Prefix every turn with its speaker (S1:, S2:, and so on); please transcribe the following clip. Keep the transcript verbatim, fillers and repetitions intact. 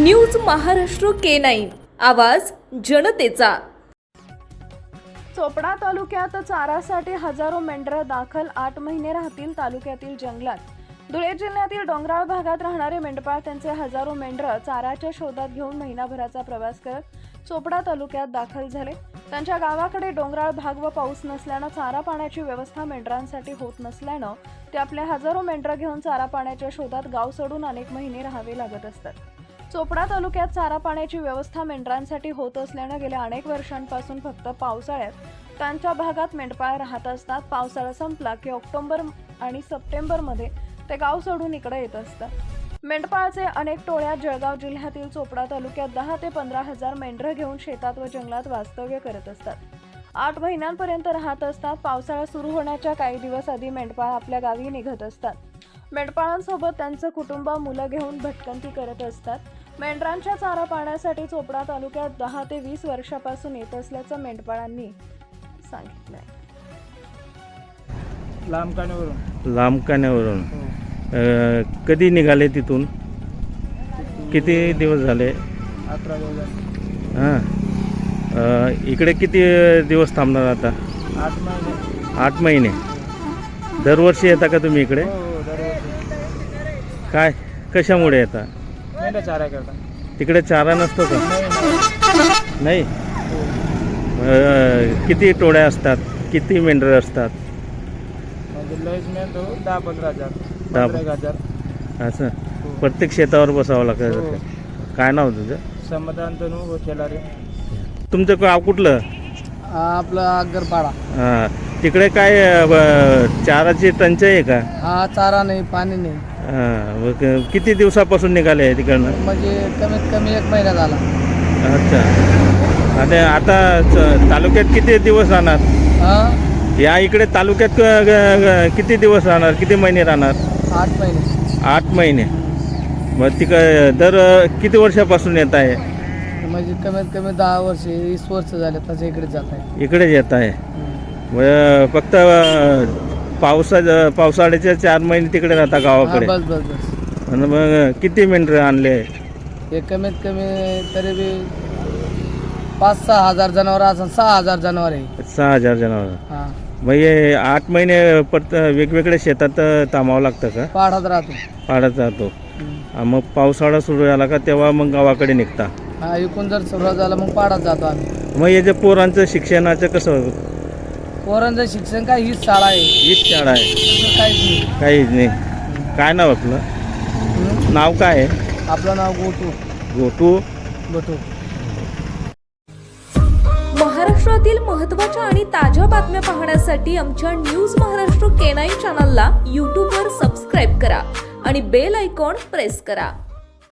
S1: News Maharashtra K nine, आवाज जनतेचा।
S2: चोपडा तालुक्यात चारासाठी हजारो मेंढरं दाखल, आठ महिने राहतील तालुक्यातील जंगलात। धुळे जिल्ह्यातील डोंगराळ भागात राहणारे मेंढपाळ त्यांचे हजारो मेंढरं चाराच्या शोधात घेऊन महिनाभराचा प्रवास करत चोपडा तालुक्यात दाखल झाले। त्यांच्या गावाकडे डोंगराळ भाग व पाऊस नसल्यानं चारा पाण्याची व्यवस्था मेंढरांसाठी होत नसल्यानं ते आपले हजारो मेंढरं घेऊन चारा पाण्याच्या शोधात गाव सोडून अनेक महिने राहावे लागत असतात। चोपडा तालुक्यात चारा पाण्याची व्यवस्था मेंढरांसाठी होत असल्यानं गेल्या अनेक वर्षांपासून फक्त पावसाळ्यात त्यांच्या भागात मेंढपाळ राहत असतात। पावसाळा संपला की ऑक्टोबर आणि सप्टेंबरमध्ये ते गाव सोडून इकडे येत असतात। मेंढपाळचे अनेक टोळ्या जळगाव जिल्ह्यातील चोपडा तालुक्यात दहा ते पंधरा हजार मेंढरं घेऊन शेतात व जंगलात वास्तव्य करत असतात। आठ महिन्यांपर्यंत राहत असतात। पावसाळा सुरू होण्याच्या काही दिवस आधी मेंढपाळ आपल्या गावी निघत असतात। मेंढपाळांसोबत त्यांचं कुटुंब मुलं घेऊन भटकंती करत असतात। मेंढरांच्या चारा पाण्यासाठी चोपडा तालुक्यात दहा ते वीस वर्षापासून येत असल्याचं मेंढपाळांनी सांगितलंय।
S3: लांब काण्यावरून
S4: लांब काण्यावरून
S3: हो.
S4: अ, कधी निघाले तिथून? किती दिवस झाले?
S3: अकरा दिवस झाले.
S4: हां अ, इकडे किती दिवस थांबणार आता?
S3: आठ महिने
S4: आठ महिने दरवर्षी येता का तुम्ही इकडे?
S3: हो हो दरवर्षी.
S4: काय कशामुळे येता?
S3: मेंढ्या चारा करता.
S4: तिकडे चारा नसतो का?
S3: नाही
S4: नाही
S3: नाही. हो.
S4: अ, किती टोळ्या असतात? किती मेंढरं असतात?
S3: म्हणजे लयच मेंढ हो दहा पंधरा हजार
S4: दहा-
S3: पंधरा एक हजार.
S4: असं
S3: हो.
S4: प्रत्येक शेतावर बसावं लागतं
S3: हो.
S4: काय नाव तुझं?
S3: समाधान तनू हो खेळारे.
S4: तुमचं गाव कुठलं?
S3: आपलं अग्गरपाडा.
S4: हां तिकडे काय अ, ब- चाराची टंचाई आहे का?
S3: हा चारा नाही पाणी नाही
S4: हां मग किती दिवसापासून निघाले तिकडनं?
S3: म्हणजे कमीत कमी एक महिना झाला.
S4: अच्छा आणि आता च- तालुक्यात किती दिवस राहणार?
S3: हा
S4: या इकडे तालुक्यात क- ग- ग- किती दिवस राहणार? किती महिने राहणार?
S3: आठ महिने.
S4: आठ महिने मग तिक दर किती वर्षापासून येत आहे?
S3: म्हणजे कमीत कमी दहा वर्ष वीस वर्ष झाले त्याच्या इकडे जात आहे.
S4: इकडेच येत आहे मग फक्त पावसा पावसाळ्याच्या चार महिने तिकडे राहता गावाकडे?
S3: बस बस बस.
S4: आणि मग किती मेंढरं आणले?
S3: हे कमीत कमी तरी बी पाच सहा हजार जनावर असं सहा हजार जनावर आहे.
S4: सहा हजार जनावर.
S3: हा
S4: मग हे आठ महिने परत वेगवेगळ्या शेतात थांबावं लागतं का?
S3: पाढात राहतो.
S4: पाडत राहतो.
S3: हम्म.
S4: हा, मग पावसाळा सुरू झाला का तेव्हा मग गावाकडे निघता?
S3: हा इकून जर सुरुवात झाला मग पाढात जातो आम्ही.
S4: मग हे जे पोरांचं शिक्षणाचं कसं?
S3: पोरांचं शिक्षण काय हीच शाळा आहे.
S4: हीच शाळा आहे?
S3: दुसरं काहीच नाही.
S4: काहीच नाही. काय नाव आपलं?
S3: हम्म.
S4: नाव काय आहे?
S3: आपलं नाव गोटू.
S4: गोटू.
S3: गोटू.
S1: महाराष्ट्रातील महत्त्वाच्या आणि ताज्या बातम्या पाहण्यासाठी आमच्या न्यूज महाराष्ट्र के नाईन चॅनलला यूट्यूबवर सबस्क्राईब करा आणि बेल आयकॉन प्रेस करा।